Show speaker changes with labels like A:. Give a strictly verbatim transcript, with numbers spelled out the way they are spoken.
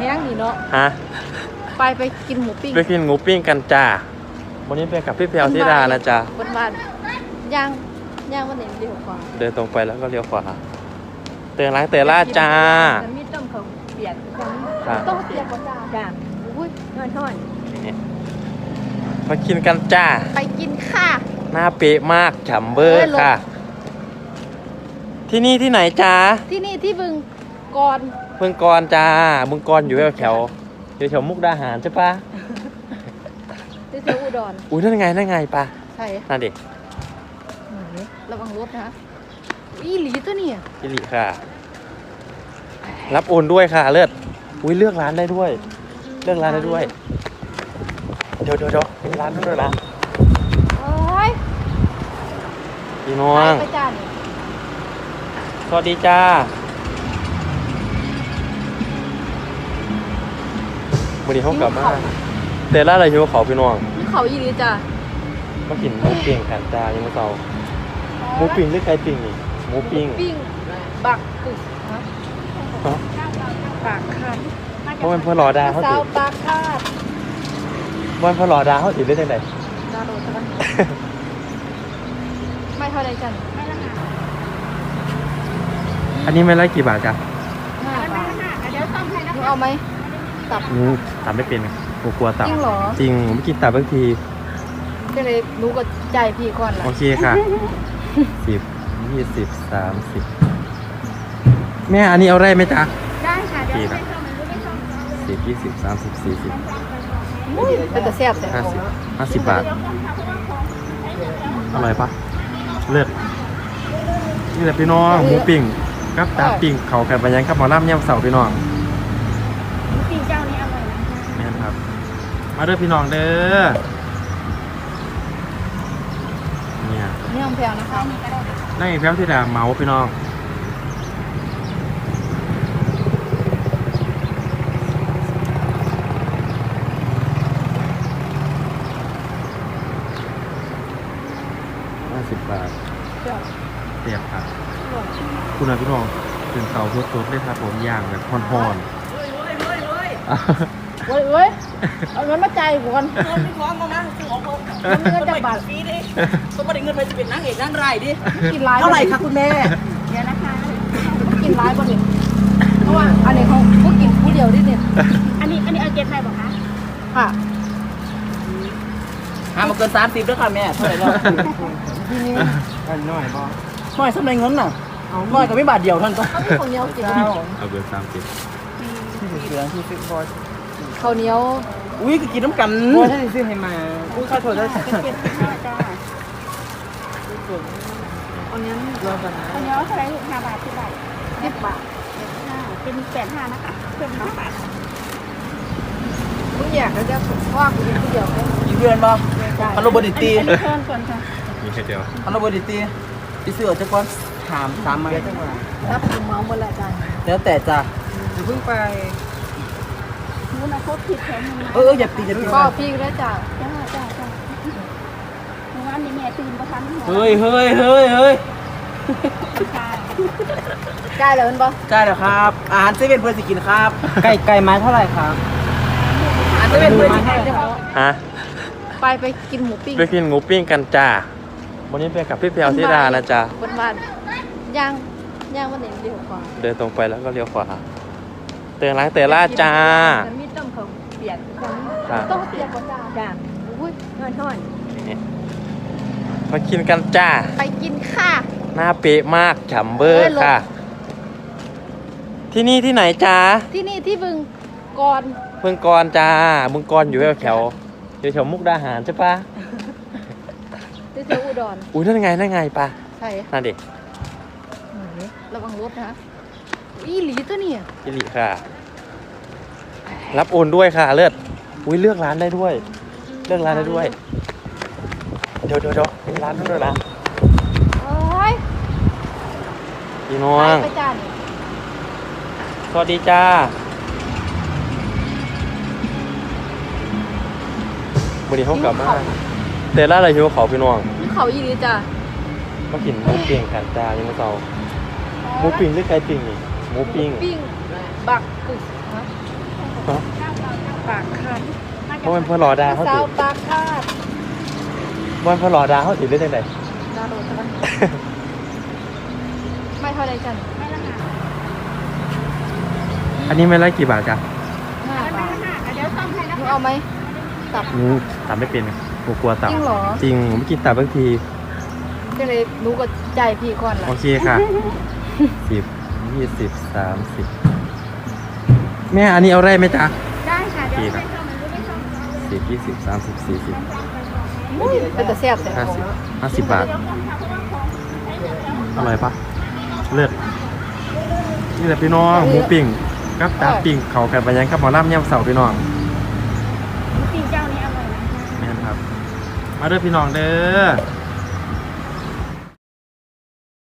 A: แห้งนี่เนาะ
B: ฮะ
A: ไปไปกินหมูปิ้ง
B: ไปกินหมูปิ้งกันจ้าวันนี้ไปกับพี่เพียวธิดานะจ๊ะ
A: วันวันย่างย่างวันไหนเลี้ยวขวา
B: เดินตรงไปแล้วก็เลี้ยวขวาเตือนร้านเตือนลาดจ้า
A: มีต้มเขาเปียก
B: ครับ
A: ต้องเปียกกว่าจ้าจ้าอุ้ยน้อยน้อย
B: มากินกันจ้า
A: ไปกินค่ะ
B: หน้าเป๊ะมากฉ่ำเบอร์ค่ะที่นี่ที่ไหนจ้า
A: ที่นี่ที่บึงกร
B: บึงกรจ้าบึงกรอยู่แถวแถวแถวมุกดาหารใช่ปะ
A: ที่แถวอุดร
B: อุ้ยนั่นไงนั่นไงปะ
A: ใช่
B: นั่นดิ
A: ระวังรถนะอีหลีตัวนี้
B: อีหลีค่ะรับโอนด้วยค่ะเลือดอุ้ยเลือกร้านได้ด้วยเลือกร้านได้ด้วยเดี๋ยวเดี๋ยวเดี๋ยวร้านด้วยนะ
A: โอ้ย
B: พี่น้อง
A: ไปจ้านี่
B: สวัสดีจ้าวันนี้เขากลับมาเตล่าอะไรหิวเขาพี่น้อง
A: เขาอีหลีจ้า
B: มากินหมูปิ้งกันจ้ายังไม่เศร้าหมูปิ้งหรือไก่ปิ้งนี่หมูปิ้ง
A: ปิ้งบักกึกฮะปากคาด
B: เพราะมันพอหล่อดาเขาติด
A: ปากคาด
B: วันพอหล่อดาเขาติดได้ยังไง
A: ดาโรใช่ไหมไม่เท่าไรจันไม่ละค่ะ
B: อันนี้ไม่ไล่กี่บาทจ้ะ
A: ห้าบาทเดี๋ยวซ่อมให้นะเอาไหมตับ
B: นูตับไม่เป็นกลัวตับ
A: จริงเหรอ
B: จริงไม่กินตับบางที
A: ก็เลยรู้ก็ใจพี่ก่อนละ
B: โอเคค่ะสิบยี่สิบสามสิบแม่อันนี้เอาได้ไหมจ๊ะ
A: ได้ค่ะเดี๋ยวไปซ่อม
B: สิบยี่สิบสามสิบสี่สิบ
A: เป็นแต่แซ่บแต่
B: ห้าสิบห้าสิบบาทอร่อยปะเลือดนี่แหละพี่น้องหมูปิ้งกับตาปิ้งเขากันไปยังกับหมอลำย่ำเสาพี่น้อง
A: หมูปิ้งเจ้านี้อร่อยนะ
B: แม่ครับมาเด้อพี่น้องเด้อเนี่ย
A: นี่ของแพงนะคะ
B: นั่งอีกแป๊บที่ดาเมาพี่น้องห้าสิบบาทเตียบครับคุณนะพี่น้องเป็นเตาสดๆเลยครับผมย่างแบบพอนๆ
A: เว้ยเว้ยเอาเงินมาจ่ายก่อน
C: ไม่ฟ้องเขานะซื้อของเขา
A: เงินจากบาท
C: ฟรีดิต้องมาได้เงินไปจะเป็นนางเอกนางร้ายดิ
A: กินร้าย
C: เท่าไหร่คะคุณแม่
A: เดี๋ยวนะคะกินร้ายบ่เนี่ยเพราะว่าอันนี้เขาพวกกินผู้เดียวดิเนี่ย
C: อันนี้อันนี้เอาเก็บให้บอกคะ
A: ค่ะ
C: ห้ามมาเกินสามสิบด้วยค่ะแม่เท่าไหร่แล้ว
A: ทีนี้
B: อันน้อยบ่
C: น้อยสำเร็จเงินน่ะน้อยกับไม่บาทเดียวท่านก็
A: เขาเป็นคนเหนียวกิน
B: เอาเบอร์สามสิบ
C: เหลือที่สิบบาท
A: ข้าวเหนียว
C: อุ้ยก็กินน้ำกัน
B: โอ้ยถ้าจะซื้อให้มาอุ้ยข้าวโพดได้
A: เก็บห้าจ้าอันนี้รอกัน
C: อันนี้เท่าไหร่ห้าบาทสิบบาท
A: สิบบาท
C: เป็นแปดห้านะคะเพิ่มน้ำบาท
A: ทุกอย่างก็จะว่ากูกินผู้เดียว
C: อีเดือนบ่ฮัลโหลบดิตี
A: เพิ่มก่อนค่ะ
B: มีแค่เดียว
C: ฮัลโหลบดิตีที่ซื้อจะก่อนถามสามมาแล้วจังหวะ
A: รับเมาหมดแล้วจ้า
C: แล้วแต่จ้ะ
A: เพิ่งไป
C: นู้นนะเขาผิดแทนเอออย่าตีอย่าตี
A: ก็พี่ได้จ้า
C: จ้าจ้าจ้าเมื่อวานนี้แม่ตื่นประทันเฮ้ยเฮ้ยเฮ้ยเฮ้ย
A: ใกล้แล้วมันปะ
C: ใกล้แล้วครับอาหารเซเว่นเพื่อนสิกินครับ
B: ไก่ไก่ไม้เท่าไหร่ครับ
C: อาหารเซเว่นเพื่อนสิกิน
B: ฮะ
A: ไปไปกินหมูปิ้ง
B: ไปกินหมูปิ้งกันจ้าวันนี้ไปกับพี่เพียวธิดานะจ๊ะ
A: วันวันย่างย่างวันไหนเลี้ยวขวา
B: เดินตรงไปแล้วก็เลี้ยวขวาเตือนร้านเตือนลาดจ้า
A: มีต้มเขาเปียกต้องเปียกกว่าจ้าจ้าอุ้ยน้อยน้อย
B: มากินกันจ้า
A: ไปกินค่ะ
B: หน้าเป๊ะมากฉ่ำเบอร์ค่ะที่นี่ที่ไหนจ้า
A: ที่นี่ที่บึงกร
B: บึงกรจ้าบึงกรอยู่แถวแถวแถวมุกดาหารใช่ปะ
A: ที่แถวอุดร
B: อุ้ยนั่นไงนั่นไงปะ
A: ใช่
B: นั่นดิ
A: ระวังรถนะอีหลีตัวนี้
B: อีหลีค่ะรับโอนด้วยค่ะเลือดอุ้ยเลือกร้านได้ด้วยเลือกร้านได้ด้วยเดี๋ยวเดี๋ยวเดี๋ยวร้านด้วยนะ
A: โอ้ย
B: พี่น้อง
A: ไปจ้านี่
B: สวัสดีจ้าวันนี้เขากลับมาเตล่าอะไรหิวเขาพี่น้อง
A: เขาอีหลีจ้า
B: มากินหมูปิ้งกันจ้ายังไม่เศร้าหมูปิ้งหรือไก่ปิ้งนี่หมูปิ้ง
A: ปิ้งบักกึกฮะปากคาด
B: เพราะมันเพื่อรอดาเขา
A: สา
B: ติ
A: วปากคาด
B: วันเพื่อรอดาเขาติดได้ยังไง
A: ดาวโรดกันไม่เท่าไรจัน
C: ไม่ละค่ะ
B: อันนี้ไม่ไล่กี่บาทจ้ะ
A: ห้า
C: ไม่
A: บาท
C: ละค่ะเดี๋ยวซ่อมให้นะ
A: หนู
C: คะ
A: เอาไหมตับ
B: หนูตับไม่เป็นหนูกลัวตับ
A: จริงเหรอ
B: จริงผมไม่กินตับบางที
A: ก็เลยหนูก็ใจพี่ก่อนละ
B: โอเคค่ะ สิบ ยี่สิบ สาม สิบ แม่อันนี้เอาได้ไหมจ๊ะ
C: ได้ค่ะเดี๋ยวไม่ซ่อมมันรู้ไม่ซ่อมเอาเลย
B: สิบ ยี่สิบ สามสิบ สี่สิบ
A: อุ้ยเป็นแต่แซ่บแต่
B: ห้า
A: ของ
B: สิบ ห้าสิบบาท อร่อยปะเลือดนี่แหละพี่น้องหมูปิ้งกับตาปิ้งเขาแผ่นไปยังกับหมอลำย่ำเสาพี่น้อง
C: จริงเจ้านี้อร่อยนะ
B: แม่นครับ มาเด้อพี่น้องเด้อ